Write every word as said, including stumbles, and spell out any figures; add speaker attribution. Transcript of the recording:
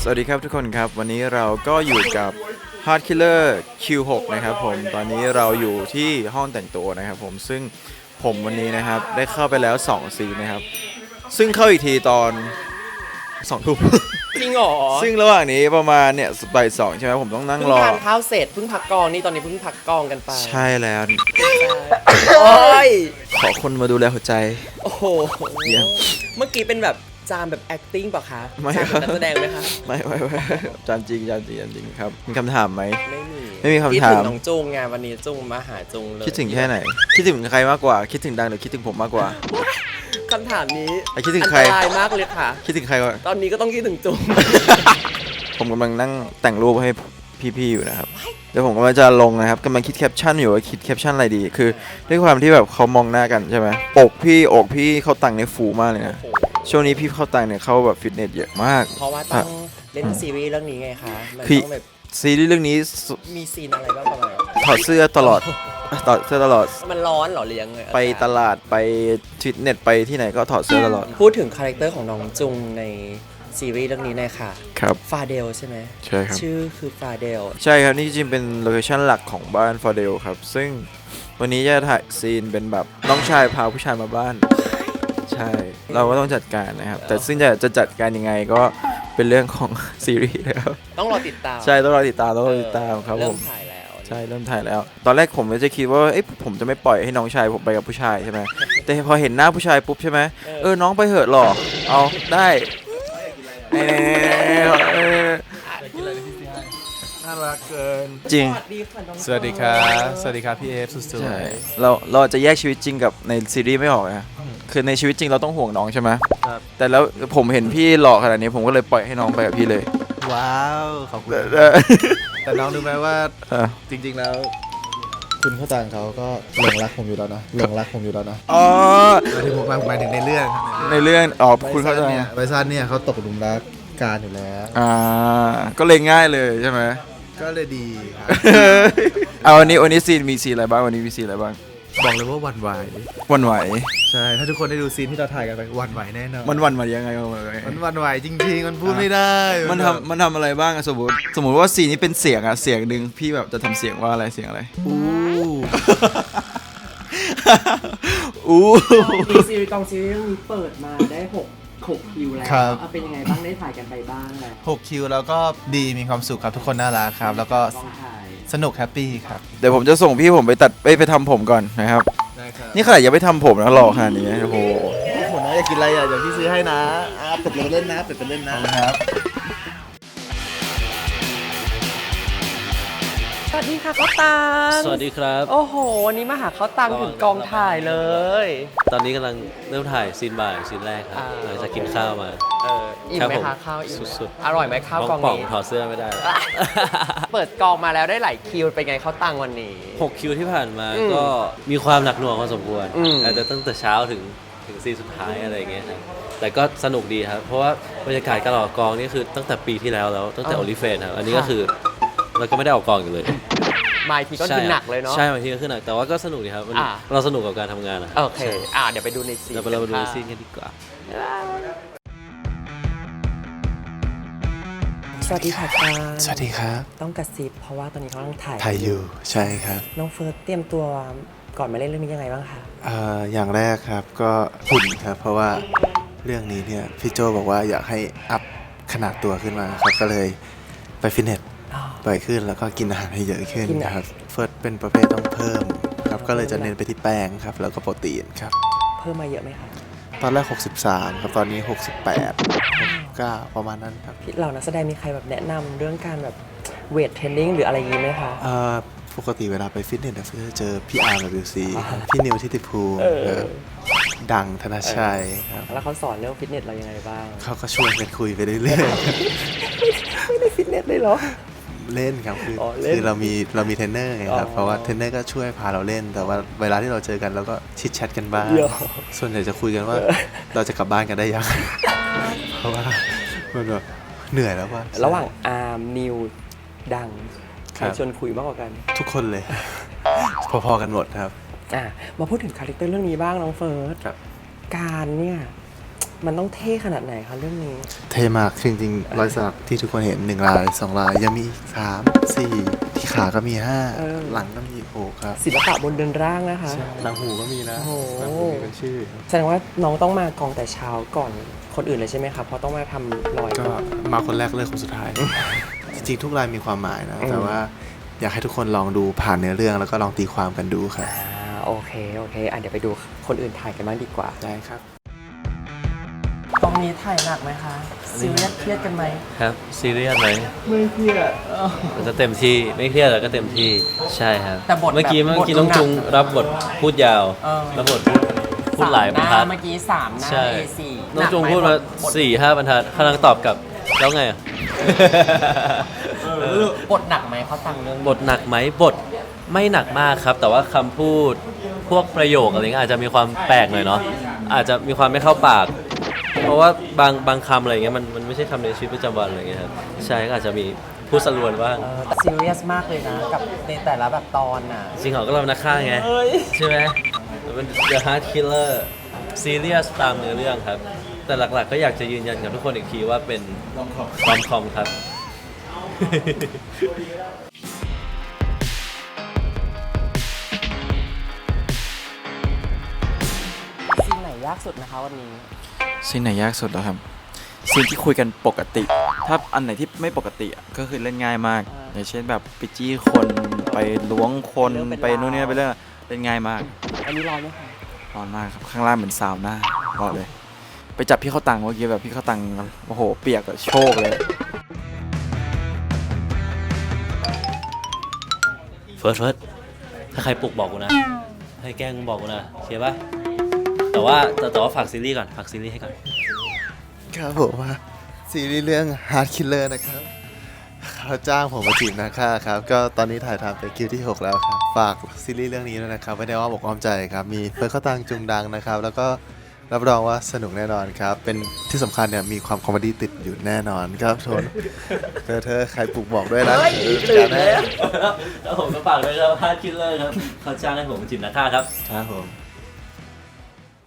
Speaker 1: สวัสดีครับทุกคนครับวันนี้เราก็อยู่กับ Hard Killer คิว หก นะครับผมตอนนี้เราอยู่ที่ห้องแต่งตัวนะครับผมซึ่งผมวันนี้นะครับได้เข้าไปแล้วสองซีนนะครับซึ่งเข้าอีกทีตอนสองทุ่ม
Speaker 2: จริงเหรอ
Speaker 1: ซึ่งระหว่างนี้ประมาณเนี่ยบ่ายสองใช่ไหมผมต้องนั่งรอ
Speaker 2: เพิ่งทานข้าวเสร็จเพิ่งพักกองนี่ตอนนี้เพิ่งพักกองกันไป
Speaker 1: ใช่แล้ว
Speaker 2: โอ้ย
Speaker 1: ขอคนมาดูแลหัวใจ
Speaker 2: โอ้โหเมื่อกี้เป็นแบบจามแบบ acting ป่ะคะ
Speaker 1: ไม่
Speaker 2: จามแบบนักแสดงไหมคะ
Speaker 1: ไม่ไม่ไม่จานจริงจานจริงจานจริงครับมีคำถามไหม
Speaker 2: ไม่มี
Speaker 1: ไม่มีคำถามคิด
Speaker 2: ถึงน้องจุงไงวันนี้จุงมาหาจุงเลย
Speaker 1: คิดถึงแค่ไหนคิดถึงใครมากกว่าคิดถึงดังหรือคิดถึงผมมากกว่า
Speaker 2: คำถามนี้
Speaker 1: คิดถึงใคร
Speaker 2: อันตรายมากเลยค่ะ
Speaker 1: คิดถึงใครก่อน
Speaker 2: ตอนนี้ก็ต้องคิดถึงจุง
Speaker 1: ผมกำลังนั่งแต่งรูปให้พี่ๆอยู่นะครับเดี๋ยวผมกำลังจะลงนะครับกำลังคิดแคปชั่นอยู่ว่าคิดแคปชั่นอะไรดีคือด้วยความที่แบบเขามองหน้ากันใช่ไหมอกพี่อกพี่เขาตังในฟูมากเลยนะช่วงนี้พี่เข้าตังเนี่ยเขาแบบฟิตเนสเยอะมาก
Speaker 2: เพราะว่าต้องเล่นซีรีส์เรื่องนี้ไงคะมันต้องแบบ
Speaker 1: ซีรีส์เรื่องนี้
Speaker 2: มีซีนอะไรบ้างประมาณ
Speaker 1: ถอดเสื้อตลอดถอดเสื้อตลอด
Speaker 2: มันร้อนเหรอเลี้ยง
Speaker 1: ไปตลาดไปฟิตเนสไปที่ไหนก็ถอดเสื้อตลอด
Speaker 2: พูดถึงคาแรคเตอร์ของน้องจุงในซีรีส์เรื่องนี้หน่อยค่ะ
Speaker 1: ครับ
Speaker 2: ฟาเดลใช่ไหม
Speaker 1: ใช่ครับ
Speaker 2: ชื่อคือฟาเดล
Speaker 1: ใช่ครับนี่จริงเป็นโลเคชั่นหลักของบ้านฟาเดลครับซึ่งวันนี้จะถ่ายซีนเป็นแบบน้องชายพาผู้ชายมาบ้านใช่เราก็ต้องจัดการนะครับแต่ซึ่งจะจะจัดการยังไงก็เป็นเรื่องของซีรีส์นะครับ
Speaker 2: ต้องรอติดตาม
Speaker 1: ใช่ต้องรอติดตามต้องรอติดตามครับผม
Speaker 2: เริ่มถ่ายแล้ว
Speaker 1: ใช่เริ่มถ่ายแล้วตอนแรกผมจะคิดว่าเอ๊ะผมจะไม่ปล่อยให้น้องชายผมไปกับผู้ชายใช่ไหมแต่พอเห็นหน้าผู้ชายปุ๊บใช่ไหมเออน้องไปเหอะหรอเอาได้น่ารักเกินจริง
Speaker 3: สวัสดีครับสวัสดีครับพี่เอฟสุดๆใช่
Speaker 1: เราเราจะแยกชีวิตจริงกับในซีรีส์ไม่ออกนะคือในชีวิตจริงเราต้องห่วงน้องใช่ไหมครับแต่แล้วผมเห็นพี่หล่อขนาดนี้ผมก็เลยปล่อยให้น้องไปกับพี่เลย
Speaker 3: ว้าวขอบคุณแต่น้องรู้ไหมว่าจริงๆแล้วคุณเข้าตังเขาก็หลงรักผมอยู่แล้วนะหลงรักผมอยู่แล้วนะ
Speaker 1: อ๋อ
Speaker 3: หมายถึงผมหมายถึงในเรื่อง
Speaker 1: ในเรื่องอ๋อคุณเข้าใจ
Speaker 3: ไบซันเนี่ยเขาตกหลุมรักการอยู่แล้ว
Speaker 1: อ่าก็เลยง่ายเลยใช่ไหม
Speaker 3: ก็เลยดีครับ
Speaker 1: เอาวันนี้วันนี้ซีนมีซีนอะไรบ้างวันนี้มีซีนอะไรบ้าง
Speaker 3: บอกเลยว่าวันไหว
Speaker 1: วันไหว
Speaker 3: ใช่ถ้าทุกคนได้ดูซีนที่เราถ่ายกันไปวันไหวแน่นอน
Speaker 1: มันวันไหวยังไง
Speaker 3: มันวันไหวจริงๆมันพูดไม่ได้
Speaker 1: มันทำมันทำอะไรบ้างสมมติสมมติว่าซีนนี้เป็นเสียงอะเสียงหนึ่งพี่แบบจะทำเสียงว่าอะไรเสียงอะไร
Speaker 3: อู้
Speaker 1: อู้
Speaker 2: มีซีรีส์กองซีรีส์เรื่องนี้เปิดมาได้หกหกคิวแล้วเป็นยังไงบ้างได้ถ่ายกันไปบ้างแล้ว
Speaker 3: หกคิวแล้วก็ดีมีความสุขครับทุกคนน่ารักครับแล้วก็สนุกแฮปปี้ครับ
Speaker 1: เดี๋ยวผมจะส่งพี่ผมไปตัดไปไปทำผมก่อนนะครับนี่ขนาดยังไม่ทำผมนะหล่อขนาดนี้โอ้โห
Speaker 3: ผมนะอยากกินอะไรอ่ะเดี๋ยวพี่ซื้อให้นะอ่ะเป็ดไปเล่นนะเป็ดไปเล่นนะครับ
Speaker 2: สวัสดีค่ะเขาตัง
Speaker 4: สวัสดีครับ
Speaker 2: โอ้โหวันนี้มาหาเขาตังถึงกองถ่ายเลย
Speaker 4: ตอนนี้กำลังเริ่มถ่ายซีนบ่ายซีนแรกครับหลังจากกินข้าวมา
Speaker 2: เอออิ่มไหมคะข้าวอิ่ม
Speaker 4: สุด
Speaker 2: ๆอร่อยไหมข้าวกองนี้
Speaker 4: ถอดเสื้อไม่ได้
Speaker 2: เปิดกองมาแล้วได้หลายคิวเป็นไงเขาตังวันนี้
Speaker 4: หกคิวที่ผ่านมาก็มีความหนักหน่วงพอสมควรอาจจะตั้งแต่เช้าถึงถึงซีนสุดท้ายอะไรอย่างเงี้ยครับแต่ก็สนุกดีครับเพราะว่าบรรยากาศการออกกองนี่คือตั้งแต่ปีที่แล้วแล้วตั้งแต่โอลิเฟนครับอันนี้ก็คือเราก็ไม่ได้ออกกองอยู่เลย
Speaker 2: มาทีก็คือหนักเลยเนาะ
Speaker 4: ใช่มาทีก็คือหนักแต่ว่าก็สนุกดีครับเราสนุกกับการทำงานนะ
Speaker 2: โอเคอ่าเดี๋ยวไปดูในซีน
Speaker 4: เราไปดูในซีนกันดีกว่า
Speaker 2: สวัสดีค่ะตา
Speaker 3: สวัสดีครับ
Speaker 2: ต้องกระซิบเพราะว่าตอนนี้เขากำลังถ่าย
Speaker 3: ถ่ายอยู่ใช่ครับ
Speaker 2: น้องเฟิร์สเตรียมตัวก่อนมาเล่นเรื่องนี้ยังไงบ้างคะ
Speaker 3: เอ่ออย่างแรกครับก็หุ่นครับเพราะว่าเรื่องนี้เนี่ยพี่โจบอกว่าอยากให้อัพขนาดตัวขึ้นมาครับก็เลยไปฟิตเนสบ่อยขึ้นแล้วก็กินอาหารให้เยอะขึ้นนะครับเฟิร์สเป็นประเภทต้องเพิ่มครับก็เลยจะเน้นไปที่แป้งครับแล้วก็โปรตีนครับ
Speaker 2: เพิ่มมาเยอะไหมครับ
Speaker 3: ตอนแรกหกสิบสามครับตอนนี้หกสิบแปด หกสิบเก้าประมาณนั้นครับ
Speaker 2: เรานักแสดงมีใครแบบแนะนำเรื่องการแบบเวทเทรนนิ่งหรืออะไรอย่างนี้ไหมคะ
Speaker 3: เอ่อปกติเวลาไปฟิตเนสเนี่ยจะเจอพี่อาร์ ดับเบิลยู ซี พี่นิวทิติภูมิดังธนชัยครับ
Speaker 2: แล้วเขาสอนเรื่องฟิตเนสเรายังไงบ้าง
Speaker 3: เขาก็ชวนกันคุยไปเรื่อย
Speaker 2: ๆไม่ได้ฟิตเนสเลยเหรอ
Speaker 3: เล่นครับคือคือเรามีเรามีเทรนเนอร์ไงครับเพราะว่าเทรนเนอร์ก็ช่วยพาเราเล่นแต่ว่าเวลาที่เราเจอกันเราก็ชิดแชทกันบ้างส่วนใหญ่จะคุยกันว่าเราจะกลับบ้านกันได้ยังเพราะว่ามันแบบเหนื่อยแล้วว่า
Speaker 2: ระหว่างอาร์มนิวดังใครชวนคุยมากกว่ากัน
Speaker 3: ทุกคนเลยพอๆกันหมดครับ
Speaker 2: อ่ะมาพูดถึงคาแรคเตอร์เรื่องนี้บ้างน้องเฟิร์สการเนี่ยมันต้องเท่ขนาดไหนคะเรื่องนี้
Speaker 3: เท่มากจริงๆรอยสักที่ทุกคนเห็นหนึ่งลายสองลายยังมีสามสี่ที่ขาก็มีห้า
Speaker 2: เออ
Speaker 3: หลังก็มีโอ้ครับ
Speaker 2: ศิลปะบนเดินร่างนะคะ
Speaker 3: หลังหูก็มีนะ
Speaker 2: โอ้โห
Speaker 3: หลังหูมีเป็นชื่อ
Speaker 2: แสดงว่าน้องต้องมากองแต่เช้าก่อนคนอื่นเลยใช่ไหมครับเพราะต้องมาทำรอย
Speaker 3: ก็
Speaker 2: ก่อน
Speaker 3: มาคนแรกเลือกคนสุดท้าย จริงๆทุกลายมีความหมายนะ แต่ว่าอยากให้ทุกคนลองดูผ่านเนื้อเรื่องแล้วก็ลองตีความกันดูครับ
Speaker 2: อ่าโอเคโอเคอ่ะเดี๋ยวไปดูคนอื่นถ่ายกันบ้างดีกว่า
Speaker 3: ได้ครับ
Speaker 2: ตรงนี้ถ่ายหนักไหมคะซีเรียสเครียดกันไหม
Speaker 4: ครับซีเรียสไหม
Speaker 2: ไม่เครียด
Speaker 4: มันจะเต็มที่ไม่เครียดแล้วก็เต็มที่ใช่ครับ
Speaker 2: แต่บทแบบ
Speaker 4: เมื่อกี้เมื่อกี้
Speaker 2: บท
Speaker 4: น้องจุง
Speaker 2: หนัก
Speaker 4: รับบทพูดยาว
Speaker 2: เออ
Speaker 4: รับบทพูดพูดหลายบรรทัด
Speaker 2: เมื่อกี้สามหน้า
Speaker 4: ใช่
Speaker 2: เอ สี่
Speaker 4: น้องจุงพูดมาสี่ห้าบรรทัดข้างหลังตอบกลับแล้วไงอ่ะ
Speaker 2: บทหนักไหมเขาตังเรื่อง
Speaker 4: บทหนักไหมบทไม่หนักมากครับ แต่ว่าคำพูดพวกประโยคอะไรเงี้ยอาจจะมีความแปลกหน่อยเนาะอาจจะมีความไม่เข้าปาก เพราะว่าบางบางคำอะไรเงี้ยมันมันไม่ใช่คำในชีวิตประจำวันอะไรเงี้ยครับใช่ก็อาจจะมีพูดสรวนบ้าง
Speaker 2: เออแต่ซีเรียสมากเลยนะ กับในแต่ละแบบตอนน่ะ
Speaker 4: จริงเหรอก็เรานักฆ่าไงใช่ไหมมันเป็น The Heart Killer ซีเรียสตามเนื้อเรื่องครับ แต่หลักๆก็อยากจะยืนยันกับทุกคนอีกทีว่าเป็นรอมคอมครับ
Speaker 2: ซีนไหนยากสุดนะคะวันนี้
Speaker 1: ซีนไหนยากสุดแล้วครับซีนที่คุยกันปกติ ถ้าอันไหนที่ไม่ปกติอะก็คือเล่นง่ายมาก
Speaker 2: อ่า
Speaker 1: อย่างเช่นแบบไปจี้คนไปล้วงคน
Speaker 2: เรื่องเป็น
Speaker 1: ไปนู่นนี่
Speaker 2: ราว
Speaker 1: ไปเรื่องเล่นง่ายมาก
Speaker 2: อันนี้ร้อนไหมคะ
Speaker 1: ร้อนมากครับข้างล่างเหมือนซาวน่าบอกเลย ไปจับพี่เข้าตังเมื่อกี้แบบพี่เข้าตังโอ้โหเปียกอะโชกเลย
Speaker 4: เฟิร์สเฟิร์สถ้าใครปลุกบอกกูนะ ให้แกล้งบอกกูนะโอเคปะแต่ว่าแต่แต่ว่าฝากซีรีส์ก่อนฝากซีรีส์ให้ก่อน
Speaker 3: ครับผมว่าซีรีส์เรื่อง Heart Killer นะครับเขาจ้างผมมาจีบนาค่าครับ ก็ตอนนี้ถ่ายทำไปคิวที่ หก แล้วครับ ฝากซีรีส์เรื่องนี้ด้วยนะครับไม่ได้ว่าบอกอ้อมใจครับ มีเฟิร์สเข้าตังจุงดังนะครับ แล้วก็รับรองว่าสนุกแน่นอนครับ เป็นที่สำคัญเนี่ยมีความคอมเมดี้ติดอยู่แน่นอนครับทนเธอเธอใครปลุกบอกด้วยนะตื่นแน่
Speaker 4: แล้วผมก็ฝากด้วยครับพาร์ทคิลเลอร์ครับเขาจ้างให้ผมมาจีบนักฆ่าครับ
Speaker 3: ครับผม